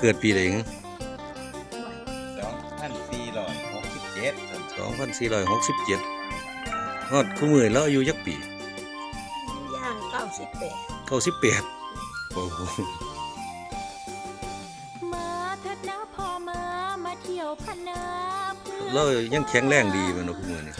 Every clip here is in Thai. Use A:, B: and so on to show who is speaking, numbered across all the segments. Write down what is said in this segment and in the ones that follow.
A: กิดปีใดฮะ2467ฮอดคู่มือแล้วอายุจักปี
B: ย่าง98
A: 98โอ้โหเรายังแข็งแรงดีแม่นบ่คู่มือนี่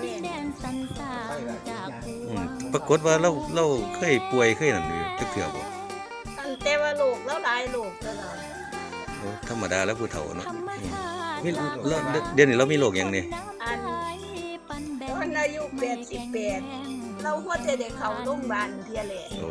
A: ปรากฏว่าเราเคยป่วยเคยนั่นอยู่จักเทื่อบ่
B: ตั้งแต่ว่าลูกแล้วหลายลูกตลอด
A: โอ้ธรรมดาแล้วผู้เฒ่าเนาะมีแล้วเดี๋ยวนี้เรามีโรคหยังนี่
B: อันตอนอายุ88เราหัวใจได้เข้าโรงพยาบาลเที่ยแหละ
A: โอ้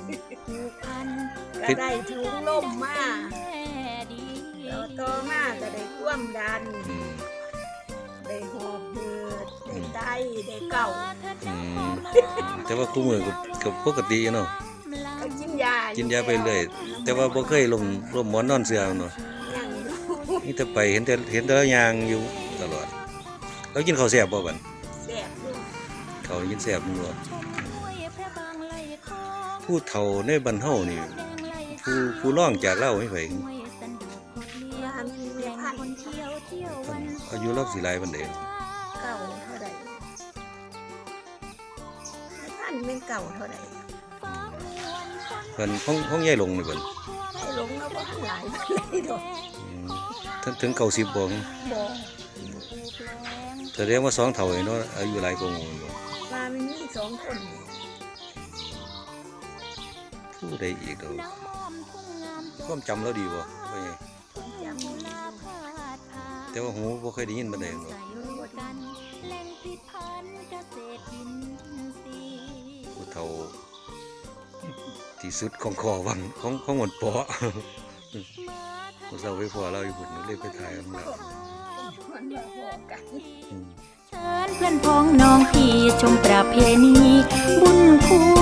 B: ก็ได้ถุงลมมาแล้วต่อมาก็ได้ความดันได้หอบหืดได้ไตได้เก่า
A: แต่ว่าคู่มือก็ปกติเนาะ
B: ก็กินยา
A: ไปเรื่อยแต่ว่าบ่เคยลมหมอนนอนเสื่อเนาะนี่แต่ไปเห็นแต่ละอย่างอยู่ตลอดแล้วกินข้าวแซ่บบ่บัด
B: แซ่บอยู่
A: ข้าวกินแซ่บอยู่บ่ผู้เฒ่าในบ้านเฮานี่ผู้ร้องจากเราให้ไผอายุเราสิหลายปานใด
B: เก่าเท่าใดท่านเป็นเก่าเท่าใด
A: เพิ่นห้องใหญ่ลงนี่เพิ่น
B: ให้ลงแล้วบ่หลายปานใดดอก
A: ถึง90บ่แสดงว่า2เฒ่าเนาะอายุหลายกว่าหมู่บ่
B: ว่ามันมี2คน
A: ผู้ใดอีกดอกความจำเราดีบ่ว่าไงแต่ว่าหูบ่เคยได้ยินปานใดเนาะผู้เฒ่าที่สุดของคอวังของหมดปอผู้เฒ่าไปพอเราอยู่พุ่นเลยไปถ่ายของเรา
C: เชิญเพื่อนพ้องน้องพี่ชมประเพณีบุญคู่